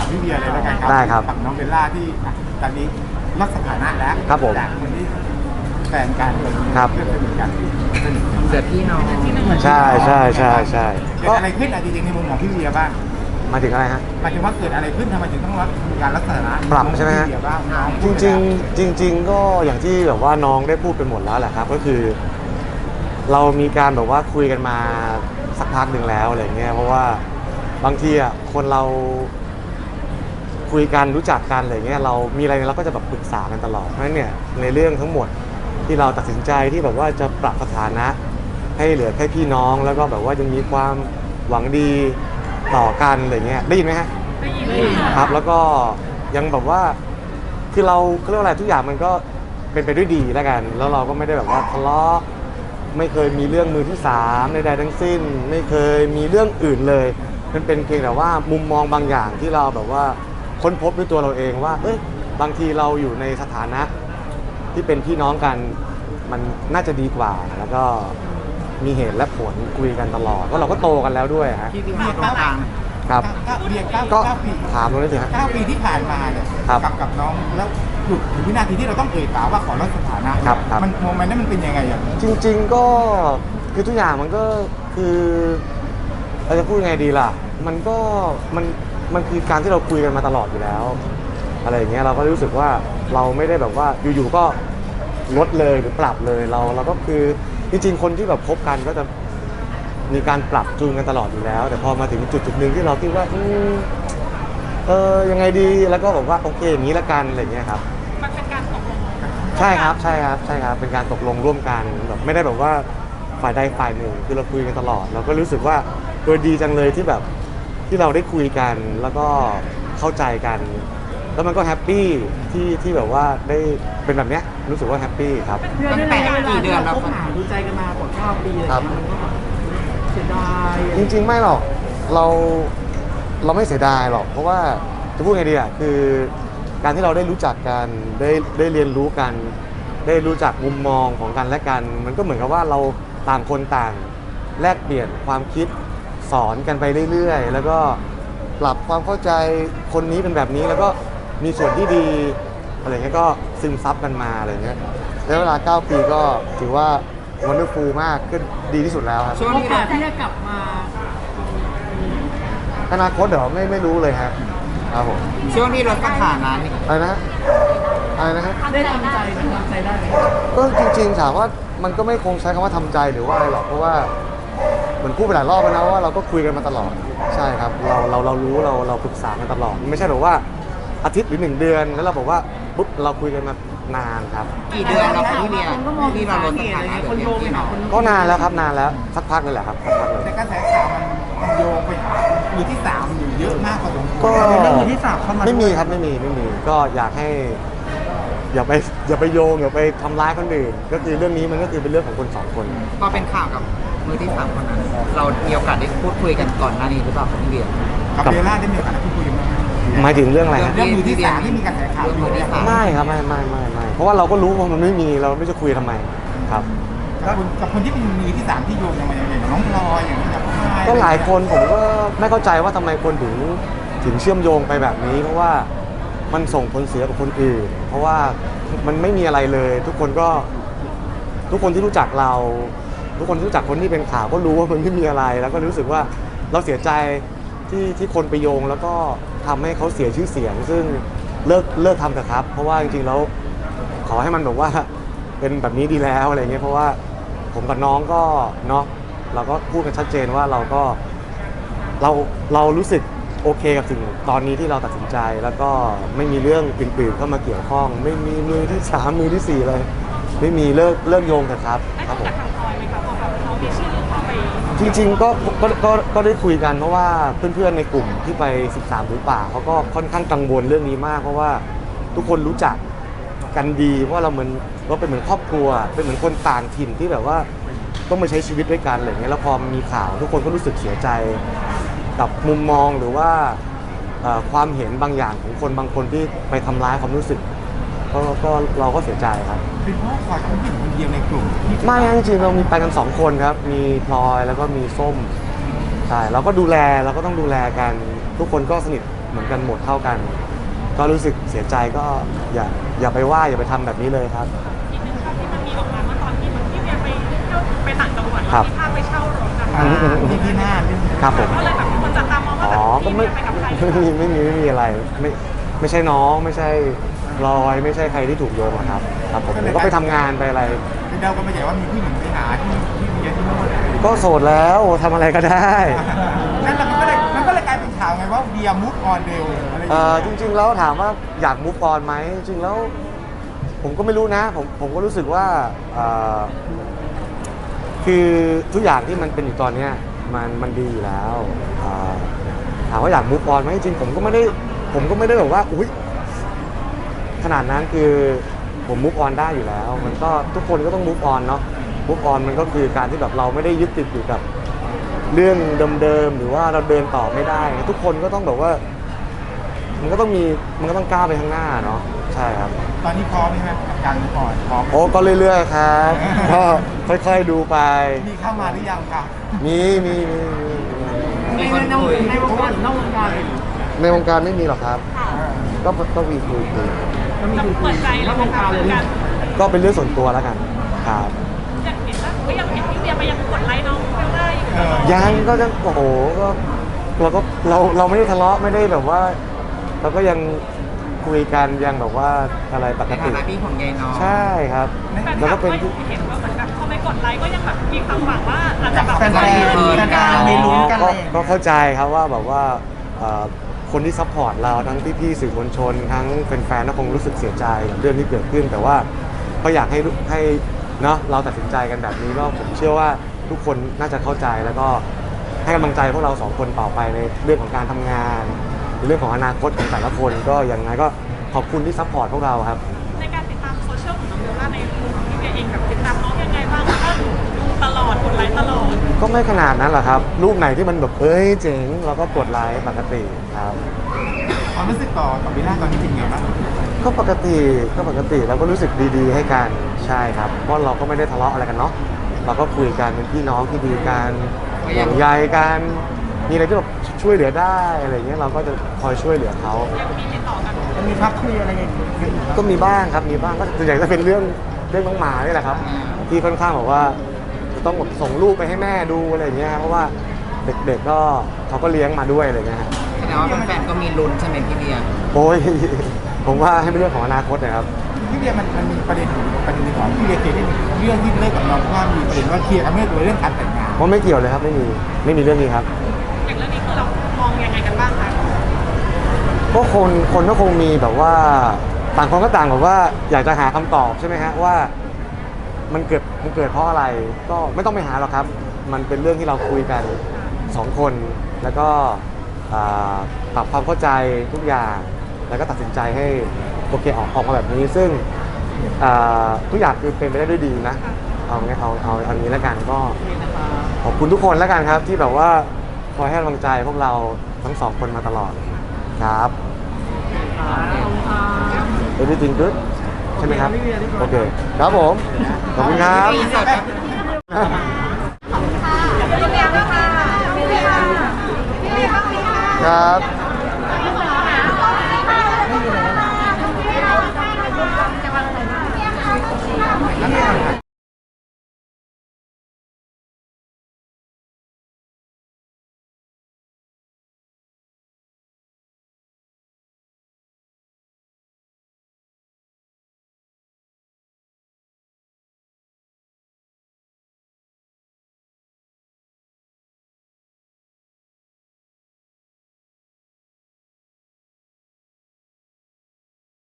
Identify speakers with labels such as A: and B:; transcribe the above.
A: ามพี่เบียร์เลยแล้วกันครับ
B: ได้ครับ
A: กับน้องเบลล่าที่ตอนนี้ลดสถานะแล้ว
B: ครับผม
A: จากคนที่แฟนกันเลย
B: ครับ
A: เพื่อนสนิทกันสนิท
C: เสือพี่น้อง
B: ใช่ใช่ใช่ใช่
A: เกิดอะไรขึ้นจริงๆในมุมของพี่เบียร์บ้าง
B: มาถึงอะไรฮะ
A: หมายถึงว่าเกิดอะไรขึ้นทำไมถึงต้องมีการลดสถานะ
B: ปรับใช่ไหมฮะ
A: พี่เบียร์บ้างน้อง
B: จริงๆก็อย่างที่แบบว่าน้องได้พูดไปหมดแล้วแหละครับ ก็คือ เรามีการแบบว่าคุยกันมาสักพักหนึ่งแล้วอะไรเงี้ยเพราะว่าบางทีอ่ะคนเราคุยกันรู้จักกันอะไรเงี้ยเรามีอะไรเราก็จะแบบปรึกษากันตลอดเพราะฉะนั้นเนี่ยในเรื่องทั้งหมดที่เราตัดสินใจที่แบบว่าจะปรับสถานะให้เหลือแค่พี่น้องแล้วก็แบบว่ายังมีความหวังดีต่อกันอะไรเงี้ยได้ยินไหมฮะได้ยินครับแล้วก็ยังแบบว่าคือเราเรียกว่าอะไรทุกอย่างมันก็เป็นไปด้วยดีแล้วกันแล้วเราก็ไม่ได้แบบว่าทะเลาะไม่เคยมีเรื่องมือที่3ใดๆทั้งสิ้นไม่เคยมีเรื่องอื่นเลยมันเป็นเพียงแต่ว่ามุมมองบางอย่างที่เราแบบว่าค้นพบด้วยตัวเราเองว่าเอ้ยบางทีเราอยู่ในสถานะที่เป็นพี่น้องกันมันน่าจะดีกว่าแล้วก็มีเหตุและผลคุยกันตลอดเพราะเราก็โตกันแล้วด้วยฮะ
A: พี่เบียร์ตรงกลาง
B: ครับ
A: เบียร์
B: ก็
A: 9 ปี
B: ถามตรงนี้สิฮะ
A: 9 ปีที่ผ่านมาเนี่ย
B: ครับ
A: กับน้องแล้วหยุดถึงวินาทีที่เราต้องเอ่ยปากว่าขอลดสถานะครับ
B: ครับ
A: มันโมเมนต์นั้นมันเป็นยังไงอ่ะ
B: จริงๆก็คือทุกอย่างมันก็คือเราจะพูดยังไงดีล่ะมันก็มันคือการที่เราคุยกันมาตลอดอยู่แล้วอะไรอย่างเงี้ยเราก็รู้สึกว่าเราไม่ได้แบบว่าอยู่ๆก็ลดเลยหรือปรับเลยเราก็คือจริงๆคนที่แบบคบกันก็จะมีการปรับจูนกันตลอดอยู่แล้ว แต่พอมาถึงจุดหนึ่งที่เราคิดว่ายังไงดีแล้วก็บอกว่าโอเคอย่างนี้ละกันอะไรอย่างเงี้ยครับมันเป็นการตกลงใช่ครับเป็นการตกลงร่วมกันแบบไม่ได้แบบว่าฝ่ายใดฝ่ายหนึ่งคือเราคุยกันตลอดเราก็รู้สึกว่าดีจังเลยที่แบบที่เราได้คุยกันแล้วก็เข้าใจกันแล้วมันก็แฮปปี้ที่แบบว่าได้เป็นแบบเนี้ยรู้สึกว่าแฮปปี้ครับ
C: ตั้งแต่กี่เดือนแล้ว
D: คบหาดูใจกันมากว่า9 ปีอะไร
B: ครับ
D: เงี้ยมันก็แบบเสียดาย
B: จริงๆไม่หรอกเราไม่เสียดายหรอกเพราะว่าจะพูดไงดีอ่ะคือการที่เราได้รู้จักกันได้เรียนรู้กัน ได้รู้จักมุมมองของกันและกัน มันก็เหมือนกับว่าเราต่างคนต่างแลกเปลี่ยนความคิดสอนกันไปเรื่อยๆแล้วก็ปรับความเข้าใจคนนี้เป็นแบบนี้แล้วก็มีส่วนที่ดีอะไรเงี้ยก็ซึมซับกันมาอะไรเงี้ยแล้วเวลา9 ปีก็ถือว่าวันเดอร์ฟูลมากขึ้นดีที่สุดแล้วครับ
C: ช่วง
D: โอ
C: ที่
D: กา
C: เรา
D: สที่จะกลับมา
B: อนาคตเดี๋ยวไม่รู้เลยฮะครับผม
C: ช่วงที่ลดสถานะนี่
B: อะไรนะอะไรนะฮะ
D: ได้ทำใจไหมทำใจได้ไหม
B: ก็จริงๆถามว่ามันก็ไม่คงใช้คำว่าทำใจหรือว่าอะไรหรอกเพราะว่าเหมือนพูดไปหลายรอบแล้วนะว่าเราก็คุยกันมาตลอดใช่ครับเรารู้เราปรึกษากันตลอดไม่ใช่แบบว่าอาทิตย์หรือ1 เดือนแล้วเราบอกว่าปุ๊บเราคุยกันมานานครับ
C: กี่เดือนแล้วคะพี่เบียร์
D: คนก็มอง
C: ที่เราลดสถานะ
D: คนโยงไปหาคน
B: ก็นานแล้วครับนานแล้วสักพักเลยแหละครับสักพักเลย
A: แต่กระแสข่าวมันโยงไปหามือที่3อยู่เยอะมากพอสมควร
B: ก็
D: เรื่องมือที่3เข้ามา
B: ไม่มีครับไม่มีก็อยากให้อย่าไปโยงอย่าไปทำร้ายคนอื่นก็คือเรื่องนี้มันก็คือเป็นเรื่องของคน2 คน
C: พอเป็นข่าวกับมือที่3คนนั้นเรามีโอกาสได้พูดคุยกันก่อนหน้านี้หรือเปล่าครับพี่เบียร์
A: กับเบลล่าได้มีโอกาสพูดคุยกันไหม
B: หมายถึงเรื่องอะไรฮะ
A: เรื่องมือที่3ที่มีกระแสข่าว
C: เรื่องมือที่สาม
B: ไม่ครับไม่เพราะว่าเราก็รู้ว่ามันไม่มีเราไม่จะคุยทำไมครับ
A: กับคนที่เป็นมือที่3ที่โยงยังไงกับน้องพลอยอย่างนี้กับพ่อ
B: ก็หลายคนผมก็ไม่เข้าใจว่าทำไมคนถึงเชื่อมโยงไปแบบนี้ เพราะว่ามันส่งผลเสียกับคนอื่น เพราะว่ามันไม่มีอะไรเลย ทุกคนที่รู้จักเรา ทุกคนที่รู้จักคนที่เป็นข่าวก็รู้ว่ามันไม่มีอะไร แล้วก็รู้สึกว่าเราเสียใจที่คนไปโยงแล้วก็ทำให้เขาเสียชื่อเสียง ซึ่งเลิกทำเถอะครับ เพราะว่าจริงๆแล้วขอให้มันแบบว่าเป็นแบบนี้ดีแล้วอะไรเงี้ยเพราะว่าผมกับน้องก็เนาะเราก็พูดกันชัดเจนว่าเรารู้สึกโอเคกับสิ่งตอนนี้ที่เราตัดสินใจแล้วก็ไม่มีเรื่องอื่นๆเข้ามาเกี่ยวข้อง ไม่มีมือที่3มือที่4เลยไม่มีเลิกโยงกันครับครับผมจริงๆก็ได้คุยกันเพราะว่าเพื่อนๆในกลุ่มที่ไป13หรือป่าเขาก็ค่อนข้างกังวลเรื่องนี้มากเพราะว่าทุกคนรู้จักกันดีเพราะเราเป็นเหมือนครอบครัวเป็นเหมือนคนต่างถิ่นที่แบบว่าต้องมาใช้ชีวิตด้วยกันอะไรเงี้ยแล้วพอมีข่าวทุกคนก็รู้สึกเสียใจกับมุมมองหรือว่าความเห็นบางอย่างของคนบางคนที่ไปทำร้ายความรู้สึกก็เราก็เสียใจครับ
A: เป็นเพราะพลอยเป็นผู้หญิงคนเดียวในกลุ่มที่
B: ไม่จริงๆเรามีไปกัน2 คนครับมีพลอยแล้วก็มีส้มใช่เราก็ต้องดูแลกันทุกคนก็สนิทเหมือนกันหมดเท่ากัน ก็รู้สึกเสียใจก็อย่าไปว่าอย่าไปทำแบบนี้เลยครับ
E: อีกหนึ่งภาพที่มันมีออกมาเมื่อตอนที่เหมือนพี่เวียไปเที่ยวไปต่างจังหวัด
B: ครับ
E: มีภาพไปเช่ารถนะคะ
A: ที่หน้าที่
B: ครับผม
E: ก็เลยแบบคนจับตามองว่า
B: อ๋อ
E: แบบ
B: ก็
E: พี่
B: ไม่
E: เวียไปกับใคร
B: ไม่มีอะไรไม่ใช่น้องไม่ใช่พลอยไม่ใช่ใครที่ถูกโยงหรอกครับครับผมก็ไปทำงานไปอะไร
A: เดาก็ไม่ใช่ว่ามีผู้หญิงไปหาที่เมียที่โน่น
B: ก็โสดแล้วทำอะไรก็ได้
A: นั่นแหละมันก็เลยกลายเป็นข่าวไงว่าเบียร์มุกออนเร็วอะไรอย่าง
B: จ
A: เงี้ย
B: ริงๆแล้วถามว่าอยากมูฟออนไหมจริงๆแล้วผมก็ไม่รู้นะผมก็รู้สึกว่าคือทุกอย่างที่มันเป็นอยู่ตอนเนี้ยมันดีอยู่แล้วถามว่าอยากมูฟออนไหมจริงๆผมก็ไม่ได้แบบว่าอุ้ยขนาดนั้นคือผมมูฟออนได้อยู่แล้ว มันก็ทุกคนก็ต้องมูฟออนเนาะมูฟออนมันก็คือการที่แบบเราไม่ได้ยึดติดอยู่กับเรื่องเดิมๆหรือว่าเราเดินต่อไม่ได้ ทุกคนก็ต้องแบบว่ามันก็ต้องก้าวไปข้างหน้าเนาะใช่ครับ
A: ตอนนี้พร้อมไหมครับกับการมุกออนพร้อม
B: โอ้ก็เรื่อยๆครับ ก็ค่อยๆดูไป
A: มีเข้ามาหรือยังครับ
B: มี
C: มีคนคุย
D: ในวงการหรือนอกวงการเลย
B: ในวงการไม่มีหรอกครับ ก็มีคุย
D: ก็มี
E: จะ
D: ดู
E: เปิดใจ
D: น
E: แล้
D: อ
E: ว
D: กวงการเลย
E: กัน
B: ก็เป็นเรื่องส่วนตัวแล้วกันครับ
E: อยากเห็นว่าก็ยังเห็นพี่เวียไปยังกดไลค์น้องเบลล่าอยู่ตลอด
B: ยังก็ยังโอ้โหก็เราไม่ได้ทะเลาะไม่ได้แบบว่า เราก็ยังคุยกันยังแบบว่าอะไรปก
C: ในฐา
B: ติ
C: นะพี่ของยายน้อง
B: ใช่ครับ
E: แฟน
B: แล้ว
E: คลั
B: ก็
E: บ
B: เป็น
E: ก็เห็นว่าเหมือนแบบพอไปกดไลค์ก็ยังแบบมีความหวังว่าอาจจะแบบ
A: แฟนๆมีลุ้นกันเลย
B: ก็เข้าใจครับว่าแบบว่าคนที่ซัพพอร์ตเราทั้งพี่ๆสื่อมวลชน ทั้งแฟนๆก็คงรู้สึกเสียใจกับเรื่องที่เกิดขึ้น แต่ว่าก็อยากให้เนาะเราตัดสินใจกันแบบนี้ก็ผมเชื่อว่าทุกคนน่าจะเข้าใจแล้วก็ให้กำลังใจพวกเราสองคนต่อไปในเรื่องของการทำงานในเรื่องของอนาคตของแต่ละคนก็ยังไงก็ขอบคุณที่ซัพพอร์ตพวกเราครับ
E: ในการติดตามโซเชียลของน้องเบลล่าในมุมของพี่เวียเองแบบติดตามน้องยังไงบ้างแล้วก็ดูตลอดกดไลค์ตลอด
B: ก็ไม่ขนาดนั้นหรอกครับรูปไหนที่มันแบบเอ้ยเจ๋งเราก็กดไลค์ปกติครับ
A: ความรู้สึกต่อเบลล่าตอนนี้เป็นไงบ้าง
B: ก็ปกติเราก็รู้สึกดีๆให้กันใช่ครับเพราะเราก็ไม่ได้ทะเลาะอะไรกันเนาะเราก็คุยกันเป็นพี่น้องที่ดีกันห่วงใยกันมีอะไรที่แบบช่วยเหลือได้อะไรเงี้ยเราก็จะคอยช่วยเหลือเขา
E: ยังมีติดต่อกัน
D: มันมีพักคุยอะไรอย่างเงี้ย
B: ก็มีบ้างครับมีบ้างก็ส่วนใหญ่จะเป็นเรื่องน้องหมานี่แหละครับที่ค่อนข้างบอกว่าจะต้องแบบส่งรูปไปให้แม่ดูอะไรเงี้ยเพราะว่าเด็กๆก็เขาก็เลี้ยงมาด้วยอะไรเงี้ยครับ
C: แสดงว่าแฟนๆก็มีลุ้นใช่ไหมพี่เบียร์
B: โอ้ย ผมว่าให้เป็นเรื่องของอนาคตนะครับ
A: พี่เบียร์มันมีประเด็นหนึ่งของพี่เบียร์เคยได้เรื่องที่เลิกกับน้องเพราะว่ามีประเด็นว่าเคลียร์กันไม่ลงตัวเรื่องการแต่งงาน
B: เพราะไม่เกี่ยวเลยครับไม่มีเรื่องนี้ครับ
E: อย่างเรื่องนี้คือเรามองยังไงกันบ้างคะ
B: ก็คนก็คงมีแบบว่าต่างคนก็ต่างแบบว่าอยากจะหาคำตอบใช่ไหมฮะว่ามันเกิดเพราะอะไรก็ไม่ต้องไปหาหรอกครับ มันเป็นเรื่องที่เราคุยกัน2คนแล้วก็ปรับความเข้าใจทุกอย่างแล้วก็ตัดสินใจให้โอเคออกมาแบบนี้ ซึ่งทุกอย่างคือเป็นไปได้ด้วยดีนะเอางี้แล้วกันก็ขอบคุณทุกคนแล้วกันครับที่แบบว่าคอยให้กำลังใจพวกเราทั้งสองคนมาตลอดครับ everything good ใช่ไหมครับ โอเค ครับผม ขอบคุณครับ
C: พี่สดครับ
E: พี่เวียบ้างค่ะพี่เวียพี่เวียบ้างไหมคะ
B: ครับ
A: แล้ว